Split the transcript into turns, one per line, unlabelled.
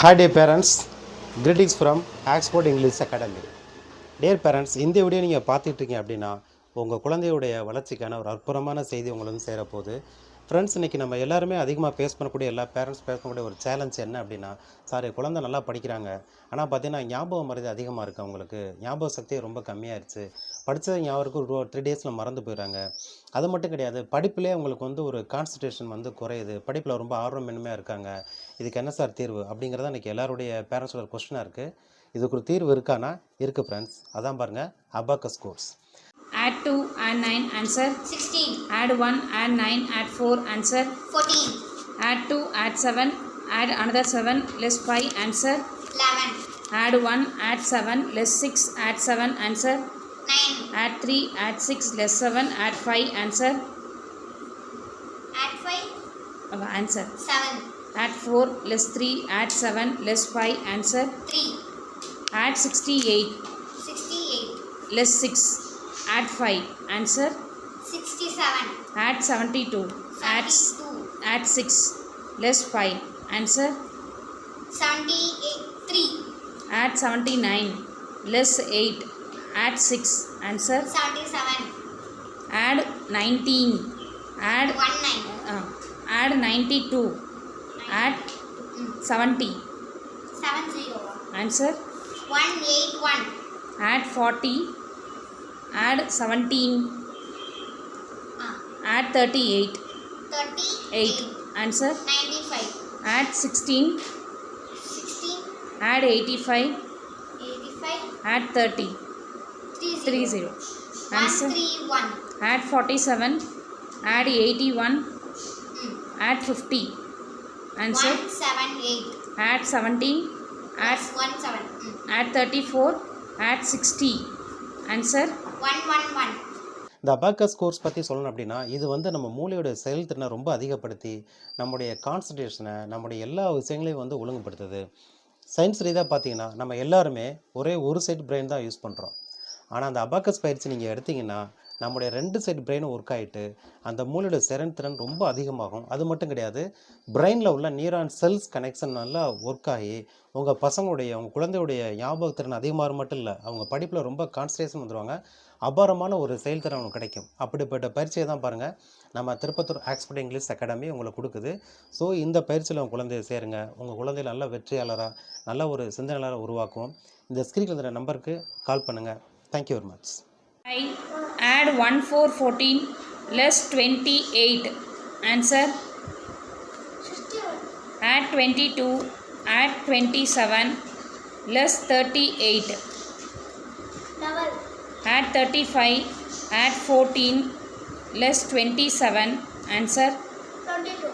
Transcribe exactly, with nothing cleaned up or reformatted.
Hi dear parents, greetings from Oxford English Academy. Dear parents, இந்த video நீங்கள் பார்த்துட்டு இருக்கீங்க அப்படின்னா உங்கள் குழந்தையுடைய வளர்ச்சிக்கான ஒரு அற்புதமான செய்தி உங்களுக்கு வந்து சேரப்போகுது. ஃப்ரெண்ட்ஸ், இன்றைக்கி நம்ம எல்லாருமே அதிகமாக ஃபேஸ் பண்ணக்கூடிய எல்லா பேரண்ட்ஸ் ஃபேஸ் பண்ணக்கூடிய ஒரு சேலஞ்ச் என்ன அப்படின்னா, சார் குழந்தை நல்லா படிக்கிறாங்க, ஆனால் பார்த்தீங்கன்னா ஞாபகம் மறதி அதிகமாக இருக்குது, அவங்களுக்கு ஞாபக சக்தி ரொம்ப கம்மியாகிடுச்சு, படித்தது ஞாபகம் ஒரு த்ரீ டேஸில் மறந்து போயிடுறாங்க. அது மட்டும் கிடையாது, படிப்பிலே அவங்களுக்கு வந்து ஒரு கான்சன்ட்ரேஷன் வந்து குறையுது, படிப்பில் ரொம்ப ஆர்வமின்மையாக இருக்காங்க. இதுக்கு என்ன சார் தீர்வு அப்படிங்கிறத இன்றைக்கி எல்லாருடைய பேரண்ட்ஸோட கொஸ்டினாக இருக்குது. இதுக்கு ஒரு தீர்வு இருக்கானா? இருக்குது ஃப்ரெண்ட்ஸ். அதான் பாருங்கள், abacus course.
Add two, add nine, answer
sixteen.
Add one, add nine, add four, answer
fourteen.
Add two, add seven, add another seven, less five, answer
eleven.
Add one, add seven, less six, add seven, answer
nine.
Add three, add six, less seven, add five, answer
Add five.
uh, answer
seven.
Add four, less three, add seven, less five, answer
three.
Add sixty-eight,
sixty-eight.
less six, add five, answer
sixty-seven.
Add seventy-two, add
seventy-two.
add six, less five, answer
seventy-eight. three.
Add seventy-nine, less eight, add six, answer
seventy-seven.
Add nineteen, add
one nine.
uh, add ninety-two, add seventy,
seven zero.
answer
one eight one.
add forty, add seventeen,
Ah.
add thirty-eight,
thirty-eight.
answer
ninety-five.
add sixteen,
sixteen.
add eighty-five,
eighty-five.
add thirty,
three zero.
three zero,
one
answer
three one.
add forty-seven, add eighty-one,
Mm.
add fifty, answer
one seven eight.
add seventeen, add
one seven. Mm.
add thirty-four, add sixty, answer
one one one.
இந்த abacus course பற்றி சொல்லணும் அப்படின்னா, இது வந்து நம்ம மூளையோட செயல்திறனை ரொம்ப அதிகப்படுத்தி நம்முடைய கான்சன்ட்ரேஷனை, நம்முடைய எல்லா விஷயங்களையும் வந்து ஒழுங்குபடுத்துது. சயின்ஸ் ரீதியாக பார்த்தீங்கன்னா, நம்ம எல்லாருமே ஒரே ஒரு சைடு பிரெயின் தான் யூஸ் பண்ணுறோம். ஆனால் அந்த அபாக்கஸ் பயிற்சி நீங்கள் எடுத்திங்கன்னா, நம்முடைய ரெண்டு சைடு பிரெயினும் ஒர்க் ஆகிட்டு அந்த மூளையோட செயல்திறன் ரொம்ப அதிகமாகும். அது மட்டும் கிடையாது, பிரெயினில் உள்ள நியூரான் செல்ஸ் கனெக்ஷன் நல்லா ஒர்க் ஆகி உங்கள் பசங்களுடைய உங்கள் குழந்தையுடைய ஞாபகத்திறன் அதிகமாக மட்டும் இல்லை, அவங்க படிப்பில் ரொம்ப கான்சன்ட்ரேஷன் வந்துடுவாங்க, அபாரமான ஒரு செயல்திறன் அவங்களுக்கு கிடைக்கும். அப்படிப்பட்ட பயிற்சியை தான் பாருங்கள் நம்ம திருப்பத்தூர் ஆக்ஸ்போர்ட் இங்கிலீஷ் அகாடமி உங்களுக்கு கொடுக்குது. ஸோ இந்த பயிற்சியில் உங்கள் குழந்தைய சேருங்க, உங்கள் குழந்தைய நல்ல வெற்றியாளராக நல்ல ஒரு சிந்தனையாளராக உருவாக்குவோம். இந்த ஸ்க்ரீனில் இருக்கிற நம்பருக்கு கால் பண்ணுங்கள். Thank you very much.
I add one four fourteen, less twenty-eight, answer add twenty-two, add twenty-seven, less thirty-eight,
Double.
add thirty-five, add fourteen, less twenty-seven, answer
twenty-two.